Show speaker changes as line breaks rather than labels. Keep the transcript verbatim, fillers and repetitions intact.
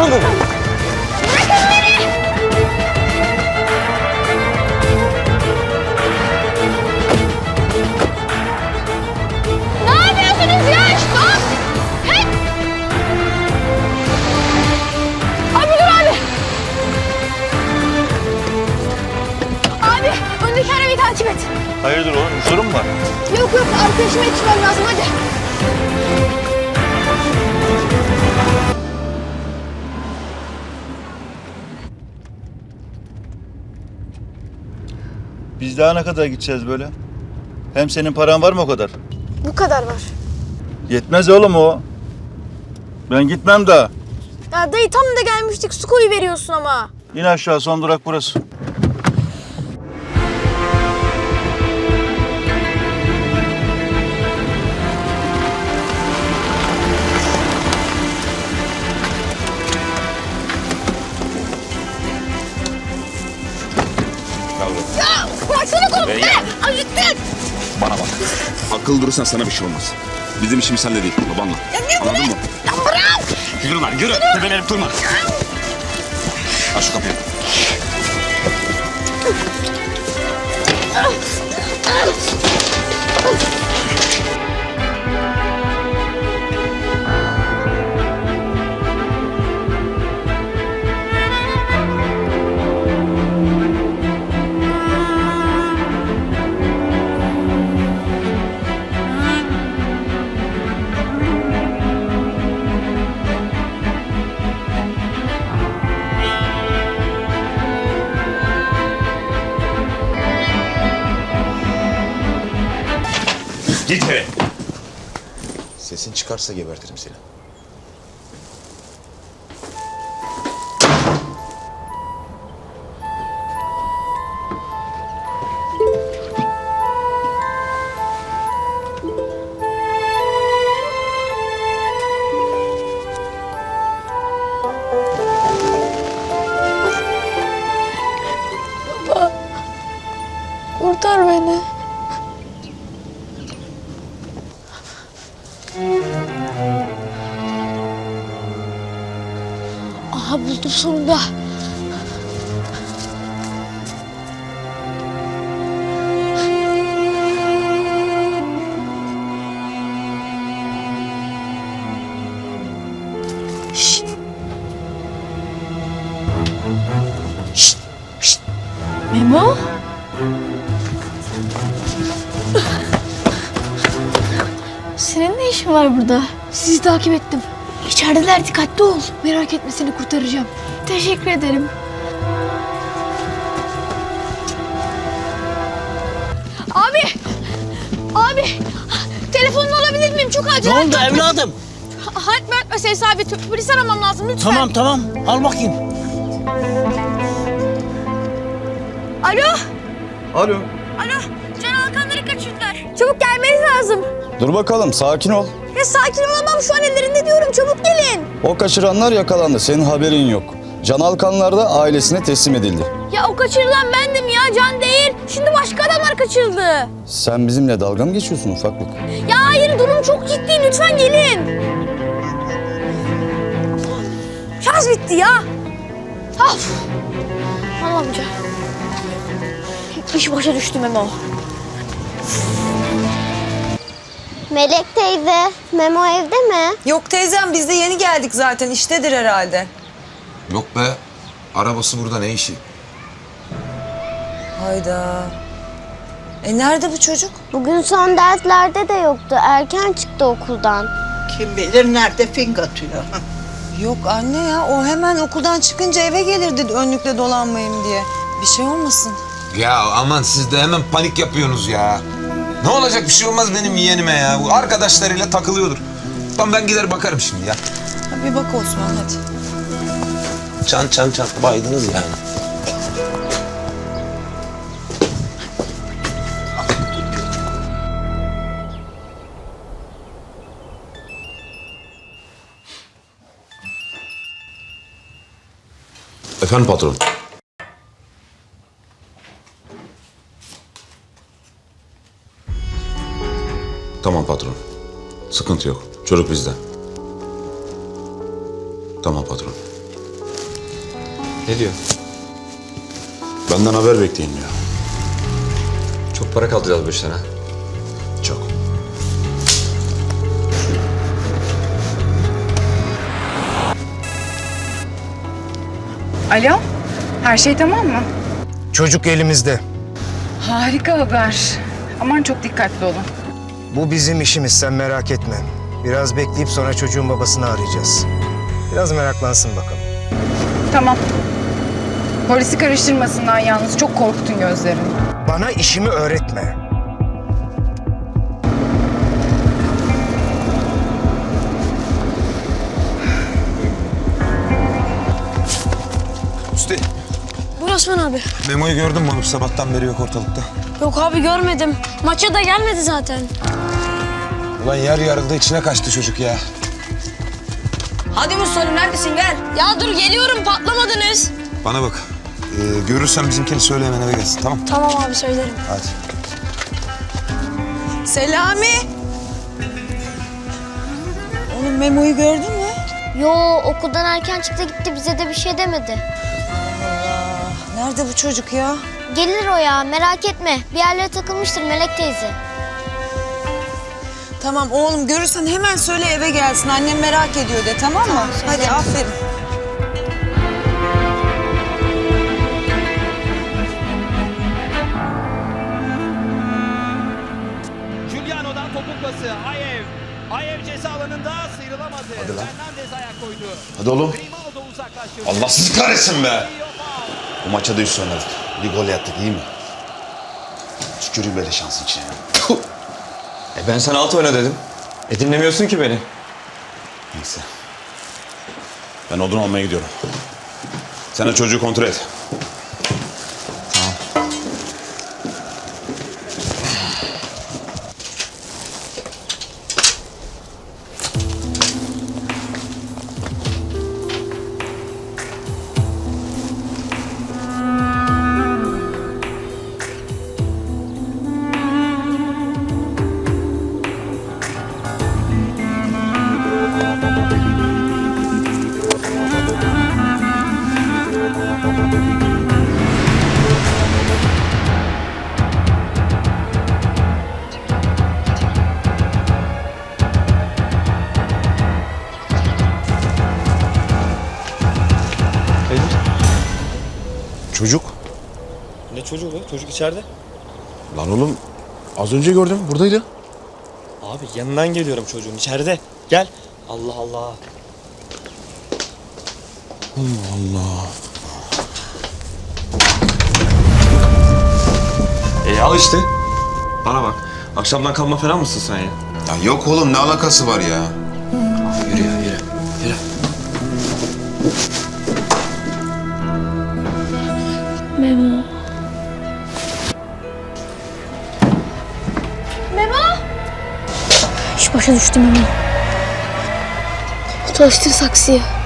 Bıraksana.
Bırakın beni! Ne yapıyorsunuz ya? Stop! Hey! Abi dur abi! Abi öndeki arabayı takip et.
Hayırdır oğlum? Bir sorun mu var?
Yok yok arkadaşıma yetişmem lazım hadi.
Biz daha ne kadar gideceğiz böyle? Hem senin paran var mı o kadar?
Bu kadar var.
Yetmez oğlum o. Ben gitmem daha.
Ya dayı tam da gelmiştik su koyu veriyorsun ama.
İn aşağı, son durak burası.
Ya baksana kolum be! Acıttın!
Bana bak. Akıllı durursan sana bir şey olmaz. Bizim işimiz sende değil, babanla.
Ya ne bu?
Anladın mı?
Ya bırak!
Yürü lan, yürü. Tepelenip durma. Aç şu kapıyı. Git eve. Sesin çıkarsa gebertirim seni.
Kurtar beni. Aha buldum sonunda. Şşt. Şşt. Şşt. Memo? Senin ne işin var burada? Sizi takip ettim. İçerideler, dikkatli ol. Merak etme, seni kurtaracağım. Teşekkür ederim. Abi! Abi! Telefonunu alabilir miyim? Çok acil.
Ne oldu evladım?
Halit Mert meselesi abi. Polis aramam lazım lütfen.
Tamam tamam al bakayım.
Alo?
Alo.
Alo? Can Alkanları kaçırdılar. Çabuk gelmeniz lazım.
Dur bakalım, sakin ol.
Ya sakin olamam, şu an ellerinde diyorum. Çabuk gelin.
O kaçıranlar yakalandı, senin haberin yok. Can Alkanlar da ailesine teslim edildi.
Ya o kaçırılan bendim ya, Can değil. Şimdi başka adamlar kaçırıldı.
Sen bizimle dalga mı geçiyorsun ufaklık?
Ya hayır, durum çok ciddi. Lütfen gelin. Şarj bitti ya. Of. Al amca. İş başa düştü Memo.
Melek teyze, Memo evde mi?
Yok teyzem, biz de yeni geldik zaten. İştedir herhalde.
Yok be. Arabası burada, ne işi?
Hayda. E nerede bu çocuk?
Bugün son derslerde de yoktu. Erken çıktı okuldan.
Kim bilir nerede fink atıyor.
Yok anne ya, o hemen okuldan çıkınca eve gelirdi önlükle dolanmayayım diye. Bir şey olmasın.
Ya aman siz de hemen panik yapıyorsunuz ya. Ne olacak, bir şey olmaz benim yeğenime ya. Bu arkadaşlarıyla takılıyordur. Tamam ben gider bakarım şimdi ya.
Ha, bir bak Osman hadi.
Çan çan çan baydınız yani.
Efendim patron. Tamam patron. Sıkıntı yok. Çocuk bizde. Tamam patron.
Ne diyor?
Benden haber bekleyin diyor.
Çok para kaldıracağız bu işten ha.
Çok.
Alo, her şey tamam mı?
Çocuk elimizde.
Harika haber. Aman çok dikkatli olun.
Bu bizim işimiz, sen merak etme. Biraz bekleyip sonra çocuğun babasını arayacağız. Biraz meraklansın bakalım.
Tamam. Polisi karıştırmasınlar yalnız. Çok korktun gözlerini.
Bana işimi öğretme.
Usti,
Buyur Osman abi.
Memo'yu gördün mü oğlum? Sabahtan beri yok ortalıkta.
Yok abi görmedim. Maça da gelmedi zaten.
Ulan yer yarıldı, içine kaçtı çocuk ya.
Hadi Mustafa neredesin gel. Ya dur geliyorum patlamadınız.
Bana bak, ee, görürsen bizimkini söyle hemen eve gelsin, tamam?
Tamam abi söylerim.
Hadi.
Selami. Oğlum Memo'yu gördün mü?
Yo, okuldan erken çıktı gitti, bize de bir şey demedi.
Allah. Nerede bu çocuk ya?
Gelir o ya, merak etme. Bir yerlere takılmıştır Melek teyze.
Tamam oğlum, görürsen hemen söyle eve gelsin. Annem merak ediyor de, tamam mı? Hadi aferin.
Giuliano'dan topuk pası. Ayev. Ayev ceza alanında sıyrılamadı. Fernandez ayak koydu.
Hadi oğlum.
Grimaldo uzaklaştırdı.
Allah sizi kahretsin be. Bu maça da üst oynadık. Bir gol yattık, iyi mi? Tüküreyim böyle şansın içine. Puh.
E ben sana alt oyna dedim. E dinlemiyorsun ki beni.
Neyse. Ben odun almaya gidiyorum. Sen de çocuğu kontrol et. Çocuk.
Ne çocuğu be? Çocuk içeride.
Lan oğlum az önce gördüm buradaydı.
Abi yanından geliyorum çocuğun içeride. Gel. Allah Allah.
E al işte. Bana bak. Akşamdan kalma falan mısın sen ya?
Ya yok oğlum, ne alakası var ya?
Yürü ya yürü. Yürü.
Memo. Memo! Şu başa düştü Memo. Çalıştır saksıyı.